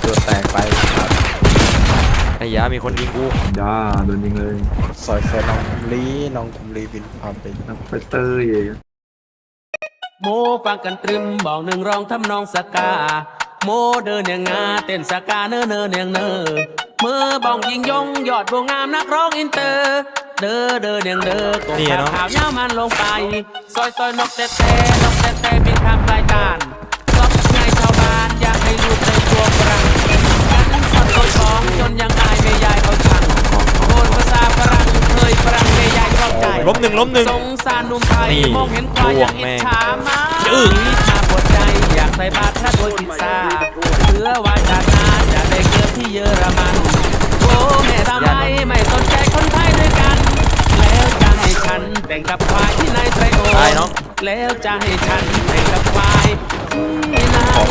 ดแตกไปไอ้ยามีคนยิงกูย่าโดนยิงเลยซอยน้องคุมลีบินความเป็นนักไปเตยโมฟังกันตรึมบอกหนึ่งร้องทำนองสกาโมเดินอย่างงาเต้นสกาเนอเนอเนียงเนอเมื่อบ้องยิงยงยอดบัวงามนักร้องอินเตอร์เด้อเนียงเด้อกงข่าวเย้ามันลงไปซอยนกเตะบินทางปลายตานซบไงชาวบ้านอยากให้ลูกในตัวฝรั่งกันสับตัวของจนยังอายไม่ยายเขาชังโอนภาษาฝรั่งเคยฝรั่งไม่ยายชอบใจล้มหนึ่งสงสารหนุ่มไทยมองเห็นควายยังอิจฉามามาปวดใจอยากใส่บาตรพระโดยพิซซ่าเพื่อว่าจากงานจะได้เกิดที่เยอรมันโอ้แม่ทำไมไม่สนใจคนไทยด้วยกันแล้วจะให้ฉันแต่งกับควายที่นายไตรโอแล้วจะให้ฉันแต่งกับควายที่นาย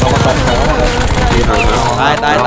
ตาย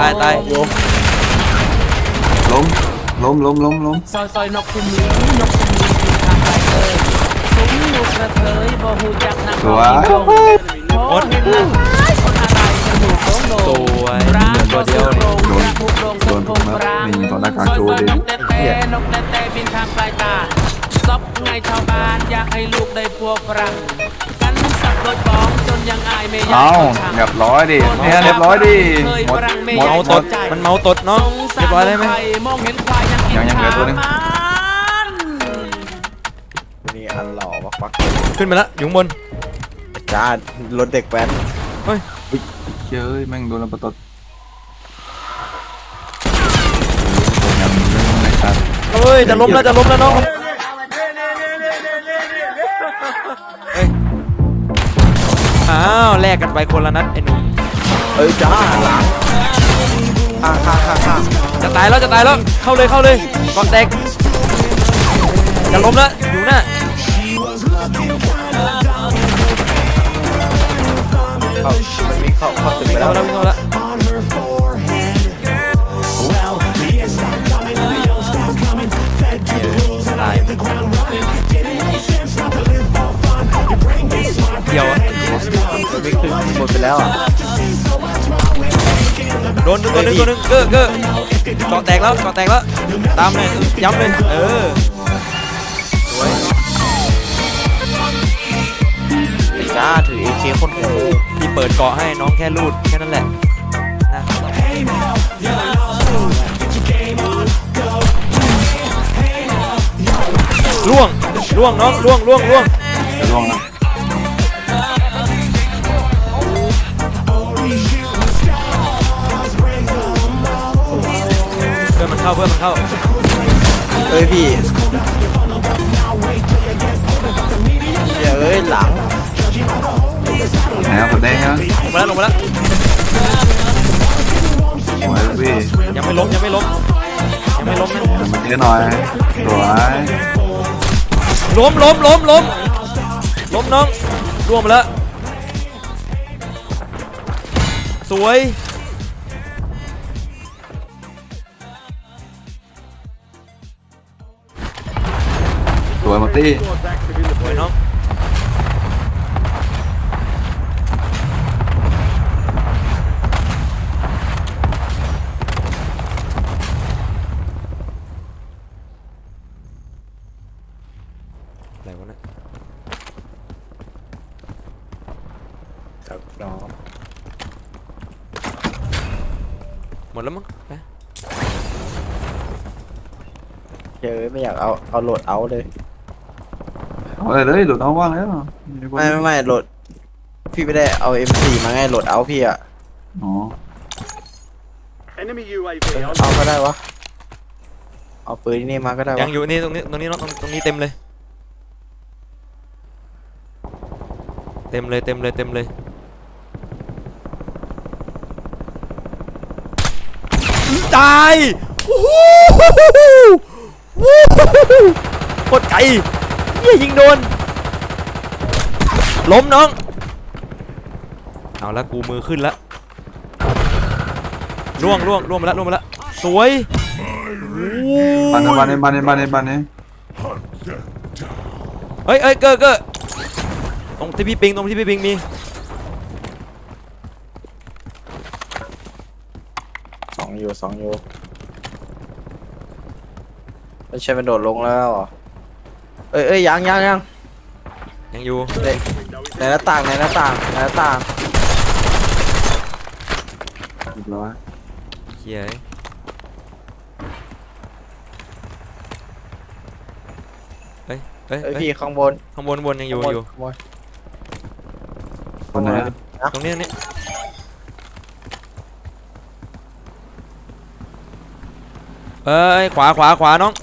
ล้มซอยนกคุมลีทางไปซุ้มลูกกระเทยบ่หูจักนักร้องโอ้เห็นแล้วคนอะไรจะอยู่โค้งโลร้านตัวเดียวโดนพงร้างซอยนกเตะบินทางปลายตาซบไงชาวบ้านอยากให้ลูกได้พวกฝรั่งกันสับรถบ้องจนยังอายไม่อยากเรียบร้อยดิเนี่ยเรียบร้อยดิเมาตดมันเมาตดเนาะเรียบร้อยเลยไหมยังเหลือตัวนึงนี่อันหล่อปักขึ้นไปแล้วอยู่ข้างบนจ้ารถเด็กแว้นเฮ้ยเย้ยแม่งโดนระเบิดเฮ้ยจะล้มแล้วน้องอ้าวแลกกันไปคนละนัดไอ้หนุ่มจ้าหลังจะตายแล้วเข้าเลยกองแตกจะล้มแล้วอยู่น่ะมันมีเข้าตึกไปแล้ววิ่งเข้าแล้วตายเดี๋ยวมันวิ่งขึ้นหมดไปแล้วโดนตัวนึงเก้อก่อแตกแล้วตามเลยย้ำเลยสวยจ้าถือ AK คนโหที่เปิดเกาะให้น้องแค่รูดแค่นั้นแหละนะล่วงน้องล่วงนะเพื่อนมันเข้าพี่หลังแล้วผมได้ฮะลงมาแล้วพี่ยังไม่ล้มนะมันเยอะหน่อยสวยล้มน้องร่วงมาแล้วสวยมาตี้สวยน้องอะไรวะเนี่ยครับน้องหมดแล้วมั้งไปไม่อยากเอาโหลดเอาเลยเอาเลยโหลดเอาว่างแล้วไม่โหลดพี่ไม่ได้เอา M4 มาไงโหลดเอาพี่อะอ๋อเอาก็ได้วะเอาปืนนี่มาก็ได้ยังอยู่นี่ตรงนี้เต็มเลยตายโคตรไกลยิงโดนล้มน้องเอาละกูมือขึ้นแล้วล่วงมาแล้วสวยบ้านนี้เฮ้ยเก้อตรงที่พี่ปิงมี 2 อยู่ไม่ใช่มันโดดลงแล้วเหรอเอ้ยยังยังอยู่ในหน้าต่างเรียบร้อยเฮียเอ้ยพี่ข้างบนข้างบนยังอยู่อยู่ข้างบนคนไหนตรงนี้เอ้ยขวาน้อง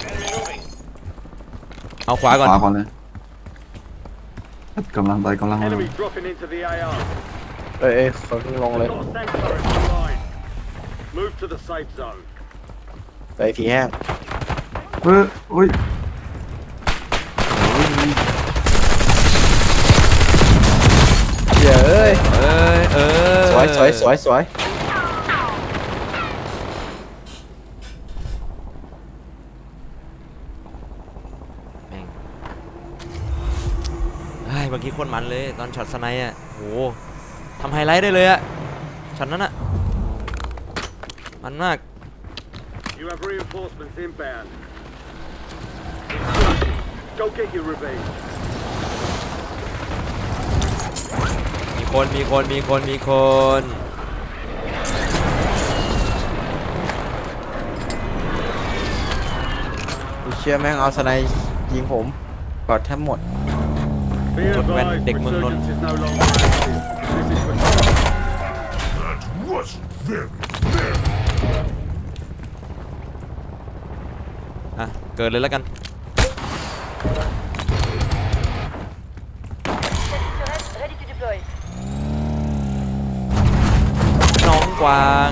เอาขวาก่อนขวาก่อนเลยกำลังไป Enemy dropping into the AR. เอ้ยเขาเพิ่งลงเลย Got a tank turret online. Move to the safe zone. ไปผีแห้งอุ้ยเดี๋ยวเอ้ย สวยแม่งเฮ้ยเมื่อกี้โคตรมันเลยตอนช็อตสไนด์อ่ะโหทำไฮไลท์ได้เลยอ่ะช็อตนั้นอ่ะมันมาก You have reinforcements inbound. Go get your revenge. มีคนเชื่อแม่งเอาสไนด์ยิงผมกอดแทบหมด Be Look, man, advised, Dick Moon resurgence is no longer active. This is for target. อ่ะเกิดเลยแล้วกัน Ready to deploy. น้องกวาง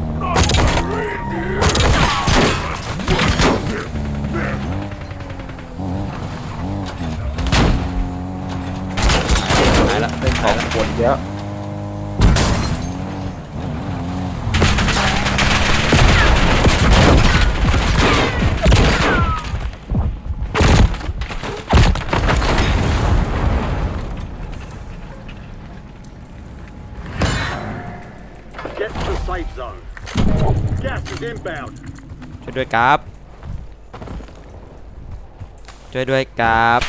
หายละเป็นของปวดเยอะ Get to the safe zone. Gas is inbound. ช่วยด้วยครับช่วยด้วยครับ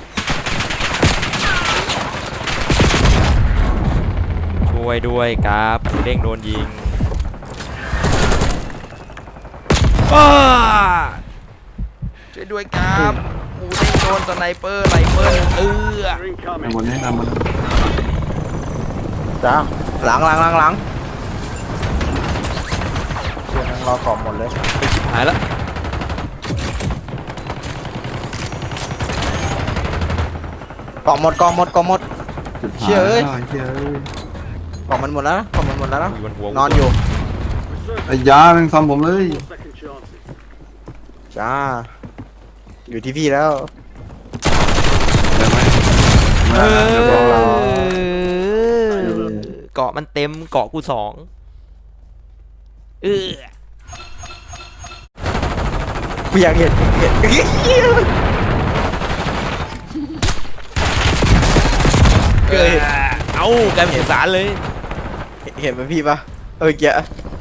เด้งโดนยิงช่วยด้วยครับหมูเด้งโดนสไนเปอร์ไรเฟิล You're ทำ incoming. บนนี้ทำบนจ้าหลังเชื่อแม่งรอขอบหมดเลยหายละกองหมดจุดเชี่ยเอ้ยเชี่ยเอ้ยกองมันหมดแล้วนะอยู่บนหัวนอนอยู่ Resurgence ไอ้ยาแม่งซ้ำผมเลย 4 second chances. จ้าอยู่ที่พี่แล้วได้ไหมเอเดี๋ยวรอเราเกาะมันเต็มเกาะกู2 กูอยากเห็นเกิดเอ้ากลายเป็นสุสานเลยเห็นไหมพี่ปะเกีย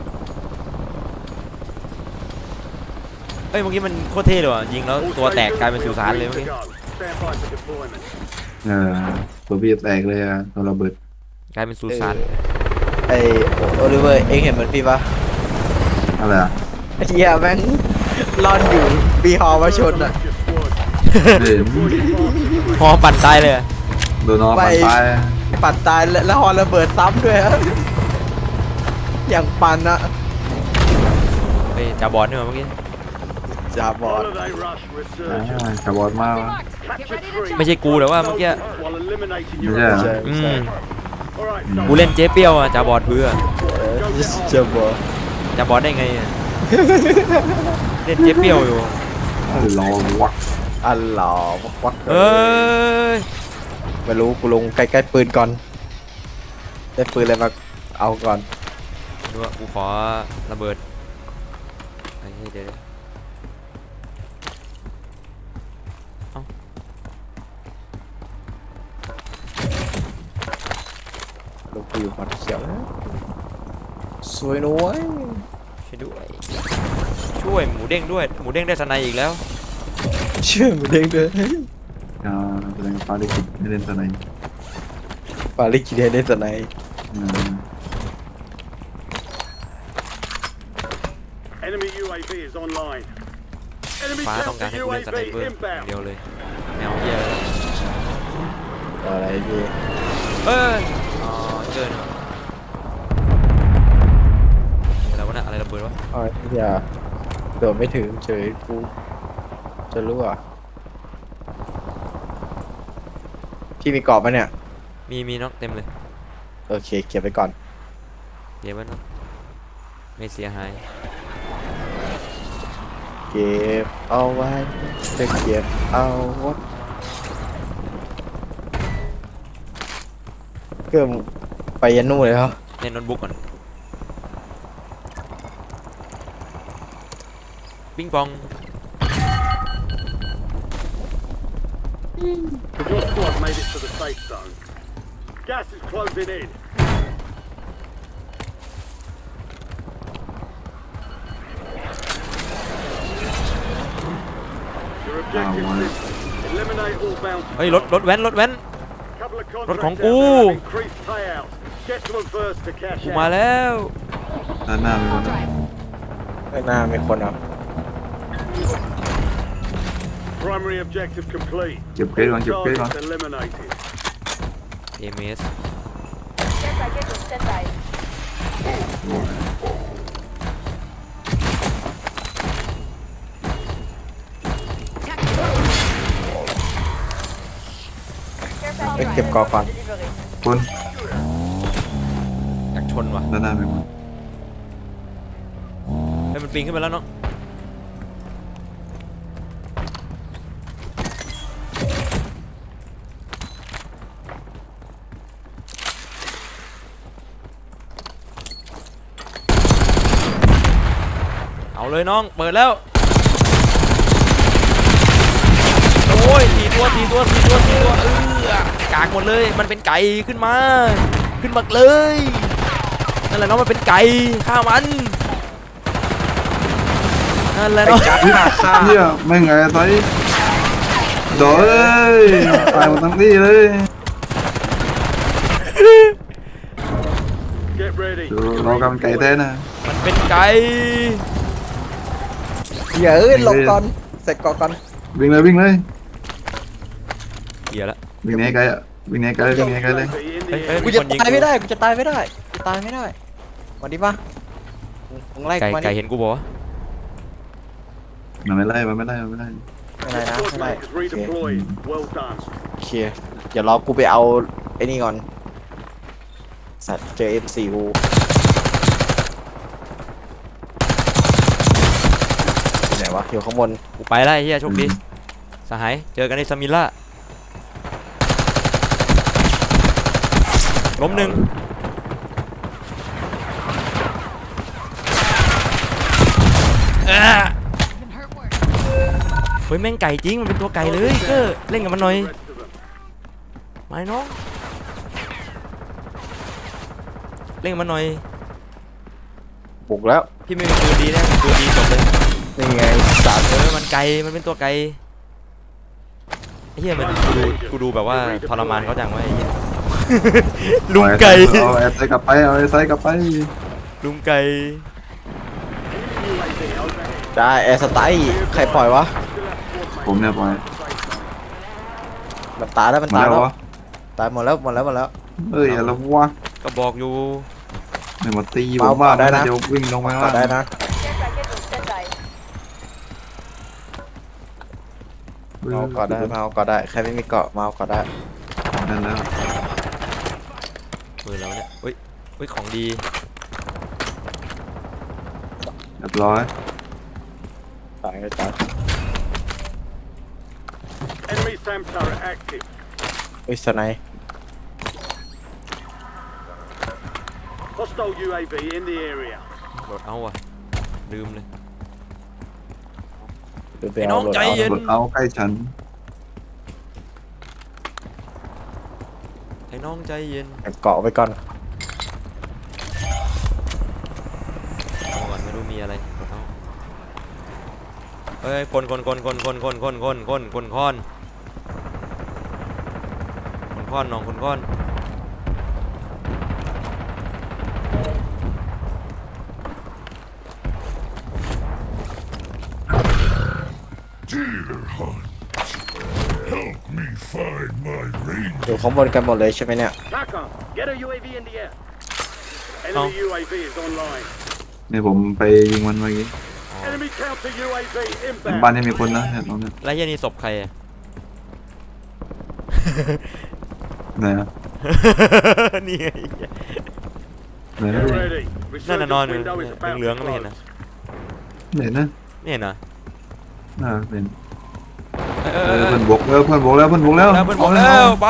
เอ้ยเมื่อกี้มันโคตรเท่เลยว่ะยิงแล้ว All ตัวแตก stations กลายเป็นสุสานเลย ready เมื่อ to กี้ go. Stand by for deployment. ตัวพี่แตกเลยอะตัวระเบิดกลายเป็นสุสานไอโอลิเวอร์เองเห็นเหมือนพี่ปะอะไรอะไอ้เหี้ยแม่งร่อนอยู่ปีฮอมาชนอ่ะ Your squad. เห็นพอปั่นตายเลยอะโดนน้องปันไปปัดตายแล้วฮอระเบิดซ้ำด้วยฮะอย่างปันอะเฮ้ยจ่าบอลนี่มาเมื่อกี้จ่าบอล Holiday rush resurgence. ขับบอลมาก Capture 3. ไม่ใช่กูแต่ว่าเมื่อกี้ While eliminating ไม่ your ใช่เหรอ opponent. อืม All right, กูเล่นเจ๊เปรี้ยวอะจ่าบอลเพื่อจ่าบอลจ่าบอลได้ไงอะเล่นเจ๊เปรี้ยวอยู่รอวักอัลลอฮ์วักเอ้ยไม่รู้กูลงใกล้ๆปืนก่อนได้ปืนอะไรมาเอาก่อนดูว่ากูขอระเบิดไอ้เหี้ยเดี๋ยวเอ้าลูกกูอยู่หมัดเขียวนะสวยนุ้ยโอเคช่วยด้วยช่วยหมูเด้งด้วยหมูเด้งได้สไนอีกแล้วเชื่อมึงเด้งด้วยแสดงฟ้าได้คิดไม่เล่นตัวไหนปาลิกิเดนได้สไน Enemy UAV is online. Enemy ฟ้าต้องการ counter ให้กูเล่นสไน UAV เปอร์อย่างเดี inbound. ยวเลยแนวเฮียอะไรพี่เอ้ยอ๋อเจอเนี่ยอะไรวะเนี่ยอะไรระเบิดวะอ๋ออย่าโดดไม่ถึงเฉยกูจะรู้อ่ะพี่มีกรอบไหมเนี่ยมีน็อกเต็มเลยโอเคเก็บไปก่อนเดี๋ยวมันน็อกไม่เสียหายเก็บเอาไว้จะเก็บเอาไว้เกือบไปยันนู่นเลยเหรอเล่นโน้ตบุ๊กก่อนปิงปอง Your squad made it to the safe zone. Gas is closing in. Your objective is eliminate all bounty. เฮ้ยรถแว้น Couple of รถของ contracts กู out there have increased payouts. Get to them first to cash กูมา out. แล้วด้านหน้ามีคนข้างหน้ามีคนอ่ะ Primary objective complete. เก็บเกรดก่อนเก็บเกรดก่อน Targets eliminated. เอเมส Care package on standby. ไปเก็บกรอบก่อน Delivery. คนอยากชนว่ะด้านหน้ามีคนให้มันปีนขึ้นไปแล้วเนาะเอาเลยน้องเปิดแล้วโอ้ยสี่ตัวกากหมดเลยมันเป็นไก่ขึ้นมาเลยนั่นแหละน้องมันเป็นไก่ฆ่ามันนั่นแหละน้องเฮียไม่ไงไซโดยตายหมดทั้งที่เลย Get ready. ดูเรากำไก่แท้นะมันเป็นไก่อย่าหลบก่อนเสร็จกรอบก่อนวิ่งเลยเหี้ยละวิ่งหนีไกลอ่ะวิ่งหนีไกลเลยวิ่งหนีไกลเลย UAV in the เฮ้ย area. กูจะตายไม่ได้กูจะตายไม่ได้วันนี้ปะมึงไล่ไก่กูมาไก่ดิเห็นกูบอกว่ามันไม่ไล่ไม่เป็นไรนะ Squad ไม่เป็นไร mate is โอเค redeployed. Well done. โอเคเดี๋ยวรอกูไปเอาไอ้นี่ก่อนสัตว์เจอ M4 กูอยู่ไหนวะอยู่ข้างบนกูไปแล้วไอ้เหี้ยโชคดีสหายเจอกันในสมิลล่าล้มหนึ่งเฮ้ยแม่งไก่จริงมันเป็นตัวไก่เลยเกอร์เล่นกับมันหน่อย The rest of them. มาน้องเล่นกับมันหน่อยบุกแล้วพี่ไม่มีปืนดีนะปืนดีจบเลยนี่ไงสัตว์มันไก่มันเป็นตัวไก่ไอ้เหี้ยมันกูดูแบบว่าทรมานเขาจังวะไอ้เหี้ย ลุงไก่เอาไอ้ไซกลับไปเอาไอ้ไซกลับไปลุงไก่ UAV overhead. ได้แอร์สไตล์ใครปล่อยวะ Still have squad mates. ผมเนี่ยปล่อยมันตายแล้วมันมาตายแล้วแล้ววะตายหมดแล้วเอ้ยอะไรวะก็บอกอยู่ไม่มาตีผมว่าได้นะเดี๋ยววิ่งลงไปก็ว่าได้นะ Care package on standby. เมาก็ได้ใครไม่มีเกาะเมาก็ได้นั่นแล้วปืนแล้วเนี่ยเฮ้ยของดีเรียบร้อยตายก็ตาย Enemy SAM turret active. เฮ้ยสไนป์ Hostile UAV in the area. โหลดเอาว่ะลืมเลยหรือไปไอ้น้เอาองรถใจเอาเย็นกดเอาใกล้ฉันไอ้น้องใจเย็นเกาะไปก่อนเอาก่อนไหมดูมีอะไรกดเอาเฮ้ยคนค้อนน้องคนค้อนอยู่ข้างบนกันหมดเลยใช่ไหมเนี่ย TACOM, get a UAV in the air. Enemy UAV is online. นี่ผมไปยิงมันเมื่อกี้ Enemy counter UAV บ้าน inbound. นี้มีคนนะเนี่ยตรงเนี้ยแล้วเหี้ยนี่ศพใครอะไหนนะนี่ไงไหนนะ Get ready. นั่นน่ะนอนอยู่ Window is about เหลือง to ๆไม่เห็นนะ close. ไหนนะไม่เห็นนะเป็นเอเพื่อนบกแล้วเพื่อนบกแล้วแล้วเพื่อนบอกแล้วไป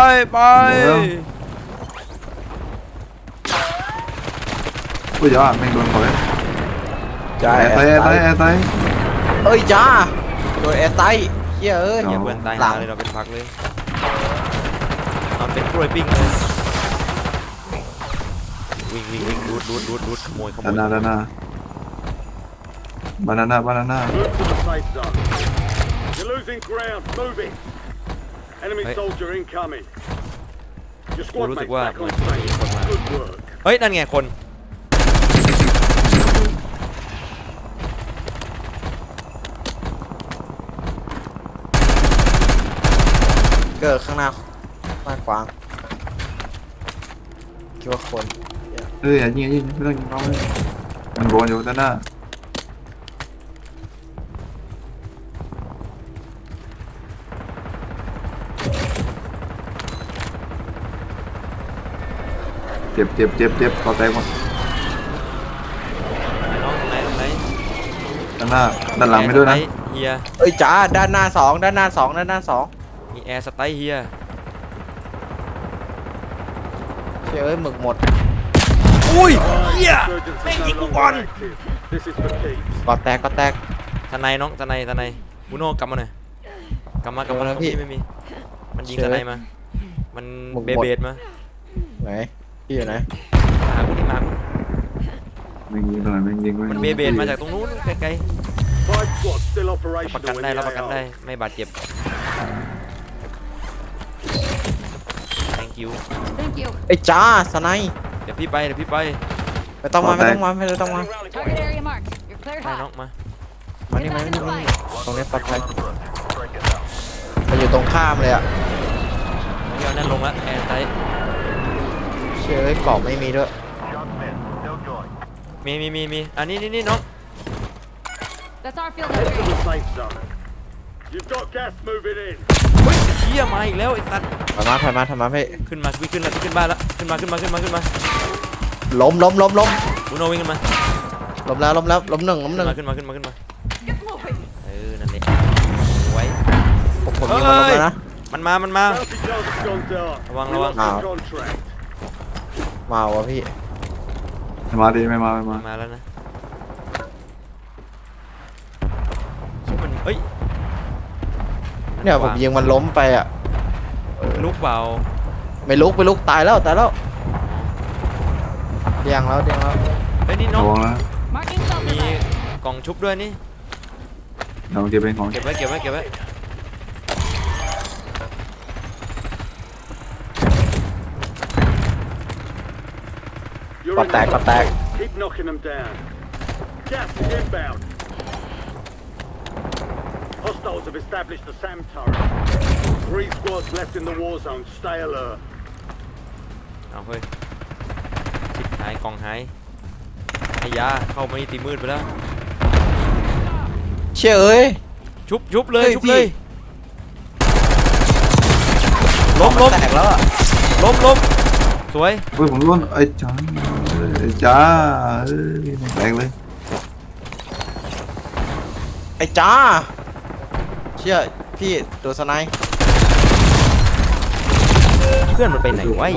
อุ้ยจ้าแม่งโดนเขาเลยจ้าแอร์ไตเอ้ยจ้าโดนแอร์ไตเหี้ยเอ้ยอย่าเพื่อนตายหลัหาง เลยเราเป็นพักเลยนอนเป็นกล้วยปิ้งเลยวิ่งรูดขโมยด้านหน้าบานาน่า Move to the safe zone. You're losing ground. Move it. Enemy Hey. soldier incoming. Your กู squad รู้สึก mates ว่า back เหมือน on มีคน station. มา Good work. เฮ้ยนั่นไงคนเกิดข้างหน้าบ้านกวางคิดว่าคนอย่ายิงไม่ต้องยิงน้องเลยมันโดนอยู่ด้านหน้าเจ็บคอแตกหมดน้องตรงไหนด้านหน้าด้านหลังไม่ด้วยนะเฮียเอ้ยจ้าด้านหน้าสองด้านหน้าสองมีแอร์สไตล์เฮียเชื่อเอ้ยหมึกหมดอุ้ยเฮีย Insurgents Mate, are you no go longer on. active. This is for keeps. ก็แตกทนายน้องทนายบูโน่กลับมาหน่อยกลับมาเอาแล้วพี่พี่ไม่มีมันยิงเชิทญนายมามันหมดเบสมาไหนพี่อยู่ไหนหากูนี่มาแม่งยิงตรงไหนแม่งยิงมันเบสมาจากตรงนู้นไกล Five squads still ๆประกัน operational ได้ in รับ the ประกัน AO. ได้ไม่บาดเจ็บ thank you Thank you. ไอ้ยจ้าสไนป์เดี๋ยวพี่ไปไม่ต้องมา Target area marked. You're cleared ไปน้อ hot. งมามานี่ตรงนี้ปลอดภัยมาอยู่ตรงข้ามเลยอ่ะไม่เอานั่นลงละแอร์ไตเชื่อเอ้ยกรอบไม่มีด้วยมีอันนี้น้อง That's our field Head to area. the safe zone. You've got gas moving in. เฮ้ยเชี่ยมาอีกแล้วไอ้ตัดถอยมาพี่ขึ้นมาขึ้นบ้านแล้วขึ้นมาล้มบูโน่วิ่งขึ้นมาล้มแล้วล้มหนึ่งขึ้นมา Get moving. นั่นแหละไว้ผมยิงมันล้มแล้วนะมันมา Bounty target's gone dark. ระวัง We lost Ah. the contract. มาวะพี่มาดิไม่มามาแล้วนะชื่อมันเฮ้ยเนี่ยผมยิงมันล้มไปอ่ะลุกเปล่าไม่ลุกตายแล้วเดียงแล้วเฮ้ยนี่น้ระองวังนะ Marking self มี revive. กล่องชุบด้วยนี่เราเก็บเป็นของเก็บไว้ You're ก็ in แตก Keep knocking them down. Gas is inbound. Hostiles have established the SAM turret. 3 squads left in the war zone. Stay alert. เอาเฮ้ยชิบหายกล่องหายไอ้ยาเข้ามาตีมืดไปแล้วเชื่อเอ้ยชุบเลยเฮ้ยชุบพี่เลยล้มแตกแล้วอ่ะล้มสวยเฮ้ยผมร่นไอ้จ้าแตกเลยไอ้จ้าเชื่อพี่ตัวสไนป์เพื่อนมันไปไหนวะไอ้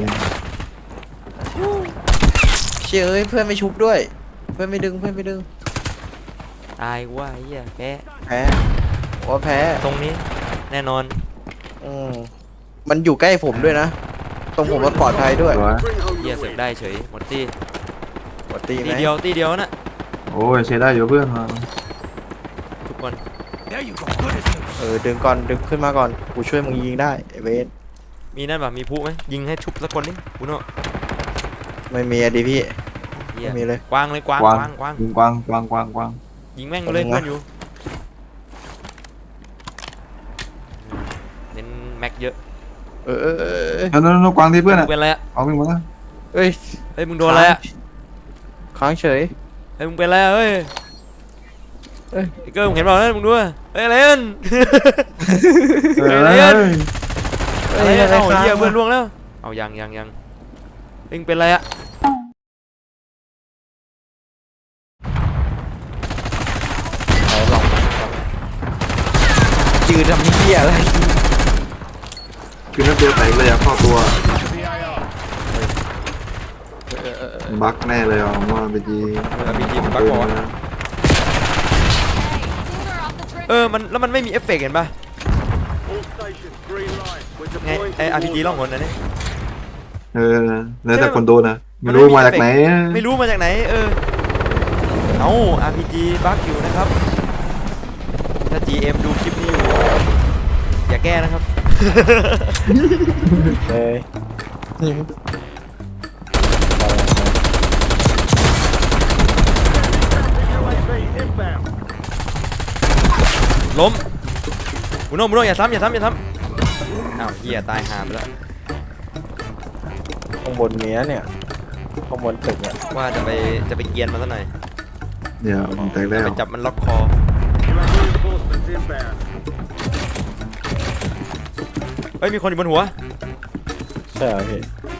เชื่อเอ้ยเพื่อนไม่ชุบด้วย เพื่อนไม่ดึงตายว่าไอ้เหี้ยแพ้แพ้ตรงนี้แน่นอนมันอยู่ใกล้ผมด้วยนะ ตรงผมมันปลอดภัยด้วย Bring home เหี้ย the เสร็จ win. ได้เฉยหมดที่ปกติไหมตีเดียวนะโอ้ยใช้ได้อยู่เพื่อนมาทุกคนดึงก่อนดึงขึ้นมาก่อนกูช่วยมึงยิงได้ไอ้เวทมีนั่นป่ะมีผู้ไหมยิงให้ชุบสักคนนี่คุณโน่ไม่มีอะดิพี่เหี้ยไม่มีเลยกวางเลยกวางกวางกวางกวางกวางกวางกวางกวางยิงแม่งเลยกวางเพื่อนอยู่เน้นแม็กเยอะนั่นกวางที่เพื่อนมึอ่ะงเป็นอะไรอะเอาวิ่งมาแล้วเอ้ยเฮ้ยมึงโดนอะไรอะค้างเฉยเฮ้ยมึงเป็นอะไรอะเฮ้ยเอ้ยไอ้เกอร์มึงเห็นเปล่าเนี่ยมึงดูอะเฮ้ยอะไรนั่นเฮ้ยอะไรเฮ้อะยอะไรเอ้ยอะอะไรเอาค้างเหี้ยเพื่อนวะล่วงแล้วเอายังเอ็งเป็นอะไรอะไหนลองยืนทำเหี้ยอะไรคือนั่นตัวแตกเลยอ่ะเข้าตัวบั๊กแน่เลยอ่ะผมว่าไปจีมีทีมบักบอล Hey, cooler off the trigger. แล้วมันไม่มีเอฟเฟกต์เห็นป่ะ All stations, green light. We're ไง deploying ไอ to the อาร์พีจี war ล่องห zone. นนะเนี่ยแล้วแต่คนโดนนะมัไม่นรู้ไม่มีมาจากไหนไม่รู้มาจากไหนเอา RPG บักอยู่นะครับถ้า GM ดูคลิปนี้อยู่อย่าแก้นะครับเลย UAV inbound. ล้มบุโน่อย่าซ้ำอ้าวเหี้ยตายหาไปแล้วข้างบนเนี้ยเนี่ยข้างบนตึกเนี่ยว่าจะไปเกรียนมันซะหน่อยเดี๋ยวผมแตกแล้วไปจับมันล็อกคอ You have reinforcements inbound. เฮ้ยมีคนอยู่บนหัวใช่เหรอพี่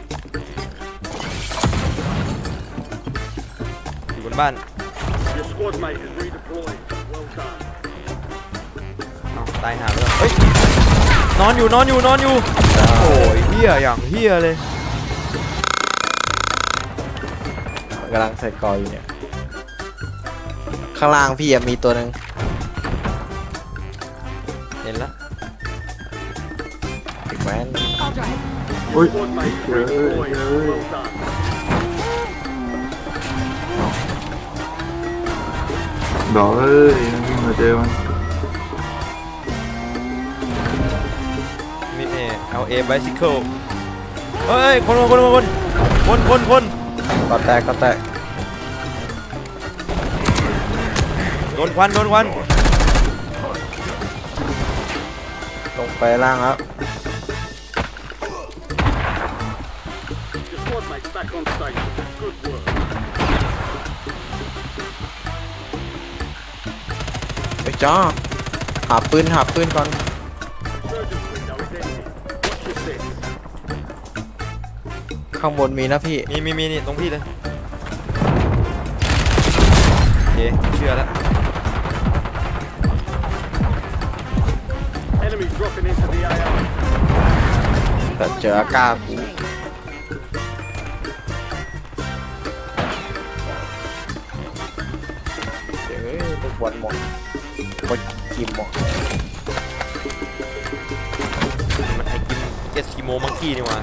อยู่บนบ้าน Your squad mate is redeployed. Well done. อ้าวตายหาไปแล้วเฮ้ยนอนอยู่โอ้ยเหี้ยอย่างเหี้ยเลยกำลังใส่กออยู่เนี่ยข้างล่างพี่อะมีตัวหนึ่งเห็นแล้วแว้น I'll drive. อุ้ย Squad mate is redeployed. Well done. ดอกเอ้ยวิ่งมาเจอมันมีLA bicycle เฮ้ยคนก็แตกโดนควันลงไปล่างแล้ว Your squad mate's back on station. Good work. ไปจ้าหาปืนก่อน Surgeon's window is ending. Watch your six. ข้างบนมีนะพี่มีนี่ตรงพี่เลยโอเคเชื่อแล้ว Enemy dropping into the AO. แต่เจออากาศกูเจอลูกบอลหมดบอลกิมหมดมันไอกิมเอสกิโมมังกี้นี่หว่า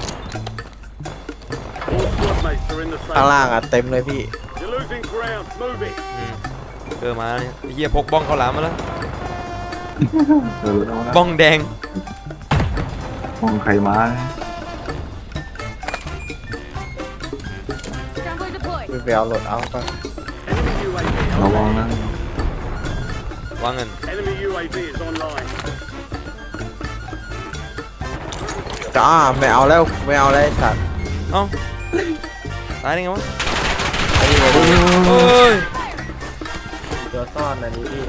All squad mates are in the ข้าง safe. ล่างอะเต็มเลยพี่ You're losing ground. Move it. เจอมาเนี่ยไอ้เหี้ยพกบ้องข้าวหลามมาแล้วเอาละบ้องแดงมองใครมา Scrambler deployed. พี่ไปเอาโหลดเอาป่ะ Enemy UAV ระวัง online. นะวางเงิน Enemy UAV is online. จ้าไม่เอาแล้วไอ้สัตว์เอ้าตายได้ไงวะไอ้นี่ไงพี่เฮ้ยตัวซ่อนอันนี้พี่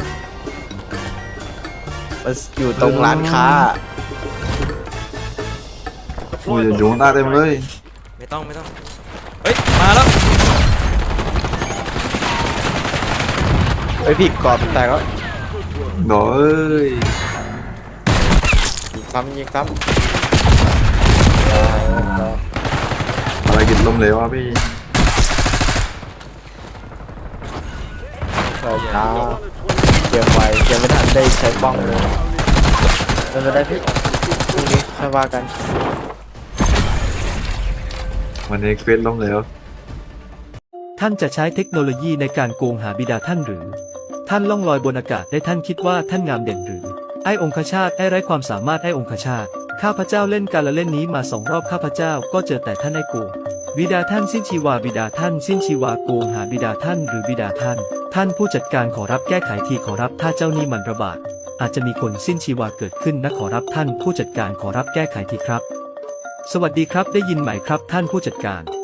มันอยู่ตรงร้านค้าโอ้ยอยู่ข้างใต้เต็มเลยไม่ต้องเฮ้ยมาแล้วไอ้พี่กรอบแตกแล้วดอกเอ้ยยิงซ้ำอะไรกินลมเหลวอ่ะพี่ใช่ช้าเกมไวเกมไม่ทันได้ใช้บ้องเลยไม่ได้พี่พรุ่งนี้ค่อยว่ากันวันนี้เควสล้มเหลวท่านจะใช้เทคโนโลยีในการโกงหาบิดาท่านหรือ ท่านล่องลอยบนอากาศได้ท่านคิดว่าท่านงามเด่นหรือ ไอ้องคชาตไอ้ไร้ความสามารถไอ้องคชาตข้าพเจ้าเล่นการละเล่นนี้มา2 รอบข้าพเจ้าก็เจอแต่ท่านไอ้โกงบิดาท่านสิ้นชีวาบิดาท่านสิ้นชีวาโกงหาบิดาท่านหรือบิดาท่าน ท่านผู้จัดการขอรับแก้ไขทีขอรับถ้าเจ้านี่มันระบาดอาจจะมีคนสิ้นชีวาเกิดขึ้นนะขอรับท่านผู้จัดการขอรับแก้ไขทีครับ สวัสดีครับได้ยินไหมครับท่านผู้จัดการ